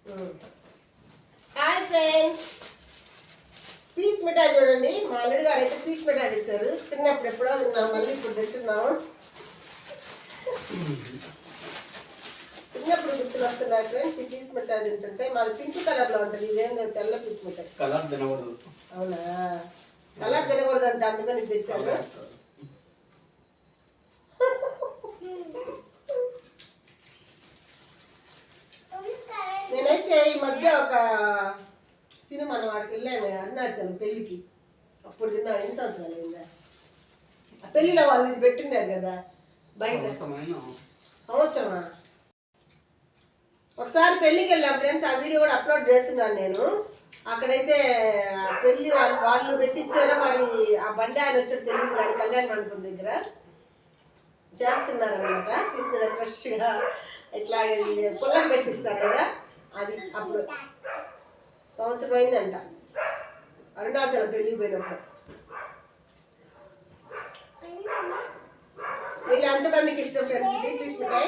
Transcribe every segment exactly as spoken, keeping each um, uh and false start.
Hi friends, piece మిఠాయి చూడండి. మా అల్లుడు గారు అయితే పీస్ మిఠాయి తెచ్చారు. చిన్నప్పుడు ఎప్పుడో తిన్నాం, మళ్ళీ ఇప్పుడు తింటున్నాము. చిన్నప్పుడు గుర్తులు వస్తున్నాయి ఫ్రెండ్స్. ఈ పీస్ మిఠాయి తింటుంటే మాది పింక్ కలర్ లో ఉంటుంది, ఇదేందో తెల్ల పీస్ మిఠాయి. కలర్ తినకూడదు. అవునా, కలర్ తినకూడదు అంటే అందుకని తెచ్చాను. నేనైతే ఈ మధ్య ఒక సినిమా వాడికి వెళ్ళాను, అరుణాచలం పెళ్ళికి. అప్పుడు తిన్నా. ఎన్ని సంవత్సరాలు అయిందా ఆ పెళ్ళిలో వాళ్ళు ఇది పెట్టినారు కదా బయట. సంవత్సరమా? ఒకసారి పెళ్ళికి వెళ్ళాం ఫ్రెండ్స్, ఆ వీడియో కూడా అప్లోడ్ చేస్తున్నాను నేను. అక్కడైతే పెళ్ళి వాళ్ళు వాళ్ళు పెట్టించారో మరి, ఆ బండి ఆయన వచ్చాడు తెలియదు కానీ కళ్యాణ మండపం దగ్గర చేస్తున్నారు అనమాట. తీసుకున్న ఫ్రెష్గా ఇట్లా పుల్లకు పెట్టిస్తారు కదా, అది అప్పుడు సంవత్సరం అయిందంట అరుణాచలం పెళ్ళికి పోయినప్పుడు. వీళ్ళు ఎంతమందికి ఇష్టం ఫ్రెండ్స్ ఇది పీస్ మిఠాయి?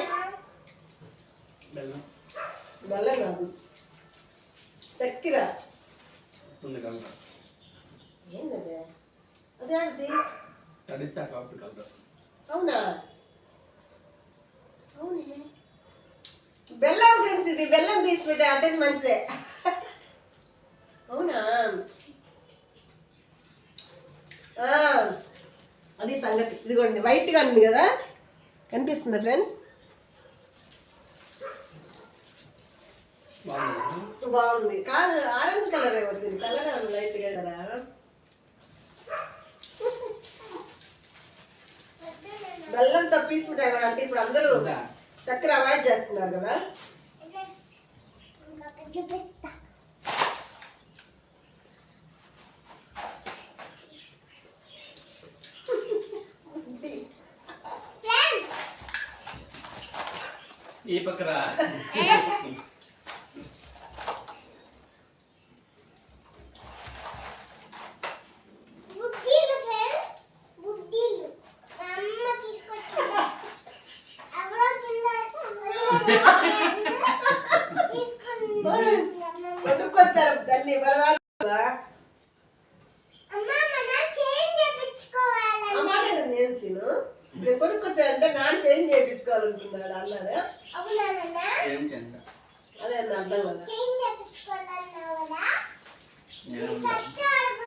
బెల్లం కాదు, చక్కెర. ఏంటదే? అదే ఆడిది. అవునా? అవునే, బెల్లం ఫ్రెండ్స్, ఇది బెల్లం పీస్ మిఠాయి అంటే మంచిదే. అవునా? అది సంగతి. ఇదిగోండి వైట్గా ఉంది కదా, కనిపిస్తుందా ఫ్రెండ్స్? బాగుంది. కాదు, ఆరెంజ్ కలర్ వచ్చింది. కలర్ లైట్ గా కదా. బెల్లంతో పీస్ మిఠాయి కూడా అంటే ఇప్పుడు అందరూ చక్కెర అవాయిడ్ చేస్తున్నారు కదా. ఈ పక్కరా కొనుక్కొచ్చారు తల్లి బలవాళ్ళు. నేను సీను నేను కొనుక్కొచ్చానంటే నాన్న చేంజ్ చేయించుకోవాలనుకున్నాడు అన్నారా? అదే అర్థం కదా.